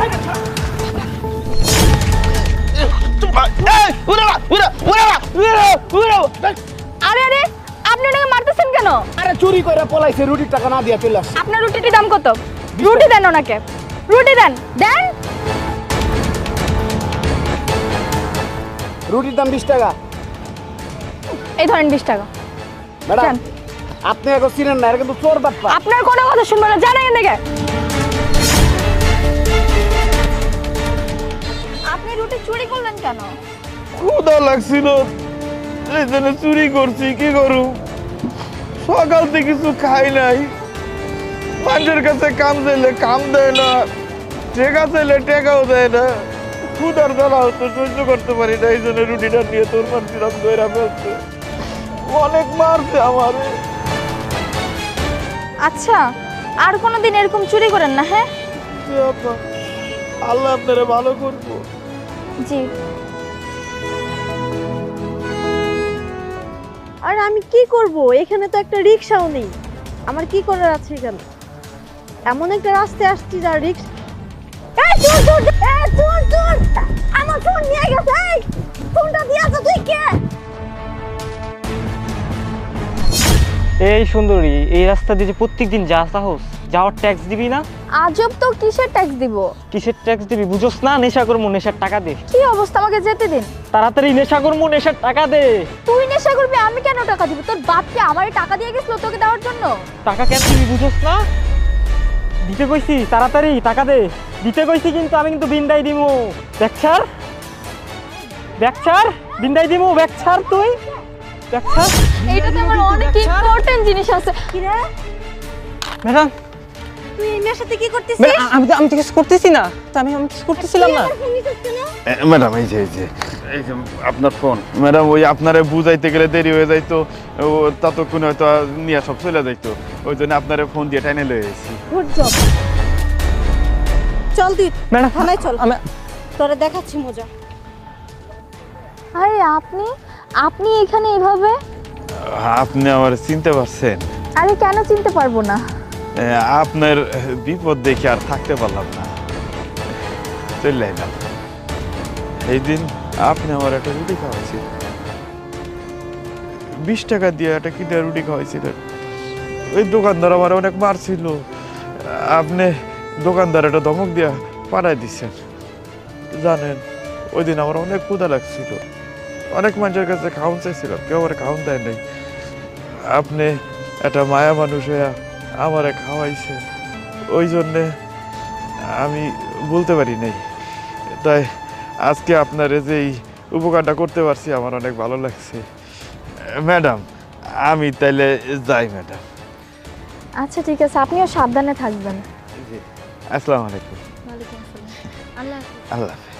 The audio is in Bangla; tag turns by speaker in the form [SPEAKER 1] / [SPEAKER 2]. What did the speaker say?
[SPEAKER 1] আরে আরে আপনি ওনাকে মারতেছেন কেন?
[SPEAKER 2] আরে চুরি করে পলাইছে, রুটির টাকা না দিয়া চলে আসছে।
[SPEAKER 1] আপনার রুটিটির দাম কত? রুটি দেন ওনাকে, রুটি দেন দেন।
[SPEAKER 2] রুটির দাম 20 টাকা।
[SPEAKER 1] এই ধরেন 20 টাকা।
[SPEAKER 2] ম্যাডাম
[SPEAKER 1] যান।
[SPEAKER 2] আপনি এখন চিনেন না, এটা কিন্তু চোর বাটপা।
[SPEAKER 1] আপনার কোনো কথা শুনবো না, জানেন এদিকে। আপনি রুটি চুরি করলেন কেন?
[SPEAKER 3] ক্ষুধা লাগছিল, এই জন্য চুরি করছি। কি করু, সকাল থেকে কিছু খাই নাই। মানুষের কাছে কাম চাইলে কাম দেয় না, টেকা চাইলে টেকাও দেয় না। ক্ষুধার জ্বালা হতো, সহ্য করতে পারি না, এই জন্য রুটিটা নিয়ে তোর মারছিলাম, ধরা ফেলছে। অনেক মারছে আমারে।
[SPEAKER 1] আচ্ছা, আর কোনোদিন এরকম চুরি করেন না, হ্যাঁ?
[SPEAKER 3] জি আপা, আল্লাহ আপনারা ভালো করবো।
[SPEAKER 1] জি।
[SPEAKER 4] আর আমি কি করব? এখানে তো একটা রিকশাও নেই। আমার কি করার আছে এখানে? এমন একটা রাস্তায় আসছি যার রিকশা। এই চোর চোর, এই চোর চোর, আমার ফোন নিয়ে গেছে। এই ফোনটা দিয়াছ তুই কে?
[SPEAKER 5] এই সুন্দরী, এই রাস্তা দিয়ে যে প্রত্যেকদিন যা সাহস, যাওয়ার ট্যাক্স দিবি না?
[SPEAKER 1] আজব তো, কিসের ট্যাক্স দিব?
[SPEAKER 5] কিসের ট্যাক্স দিবি বুঝোস না? নেশা করবো, নেশার টাকা দে।
[SPEAKER 1] কি অবস্থা, আমাকে যেতে দিন।
[SPEAKER 5] তাড়াতাড়ি নেশা করবো, নেশার টাকা দে।
[SPEAKER 1] তুই নেশা করবি, আমি কেন টাকা দিব? তোর বাপকে আমারে টাকা দিয়ে গেছিল তোকে দেওয়ার জন্য।
[SPEAKER 5] টাকা কেন দিবি বুঝোস না? দিতে কইছি, তাড়াতাড়ি টাকা দে। দিতে কইছি কিন্তু, আমি কিন্তু বিন্দাই দিমু। ব্যাকছার ব্যাকছার, বিন্দাই দিমু। ব্যাকছার তুই, ব্যাকছার।
[SPEAKER 1] এইটা তো আমার অনেক ইম্পর্টেন্ট জিনিস আছে।
[SPEAKER 4] কি রে?
[SPEAKER 5] ম্যাডাম,
[SPEAKER 4] তুই এই মেয়ের সাথে কি করতেছিস?
[SPEAKER 5] আমি তো কিছু করতেছি না। আমি কিছু করতেছিলাম না।
[SPEAKER 4] ফোন নিছিস কেন?
[SPEAKER 3] ম্যাডাম এই যে আপনার ফোন। ম্যাডাম ওই আপনারে বুঝাইতে গেলে দেরি হয়ে যাইতো, ততক্ষণে হয়তো নিয়ে সব চলে যাইতো, ওই জন্য আপনারে ফোন দিয়ে টাইনে লয়ে এসেছি।
[SPEAKER 4] Good job. চল তুই
[SPEAKER 5] ম্যাডাম
[SPEAKER 4] থানায় চল,
[SPEAKER 5] আমি
[SPEAKER 4] তোরে দেখাচ্ছি মজা।
[SPEAKER 1] আরে আপনি আপনি এখানে এভাবে?
[SPEAKER 3] আপনি আমার চিনতে পারছেন?
[SPEAKER 1] আরে কেন চিনতে পারবো না?
[SPEAKER 3] আপনার বিপদ দেখে আর থাকতে পারলাম না, চলে এলাম। এই দিন আপনি আমার একটা রুটি খাওয়াইছিলেন, 20 টাকা দিয়ে একটা কি দিয়ে রুটি খাওয়াইছিলেন। ওই দোকানদার আমার অনেক মারছিল, আপনি দোকানদার একটা ধমক দিয়া পাঠাই দিচ্ছেন। জানেন ওই দিন আমার অনেক ক্ষুধা লাগছিল, অনেক মানুষের কাছে খাওয়ান চাইছিলাম, কেউ আমার খাওয়ান দেয় নাই। আপনি একটা মায়া মানুষ হইয়া আমারে খাওয়াইছে, ওই জন্যে আমি বলতে পারি নাই। তাই আজকে আপনার যে এই উপকারটা করতে পারছি আমার অনেক ভালো লাগছে। ম্যাডাম আমি তাইলে যাই ম্যাডাম।
[SPEAKER 1] আচ্ছা ঠিক আছে, আপনিও সাবধানে থাকবেন।
[SPEAKER 3] জি, আসসালামু আলাইকুম।
[SPEAKER 1] ওয়ালাইকুম আসসালাম। আল্লাহ হাফেজ।
[SPEAKER 3] আল্লাহ হাফেজ।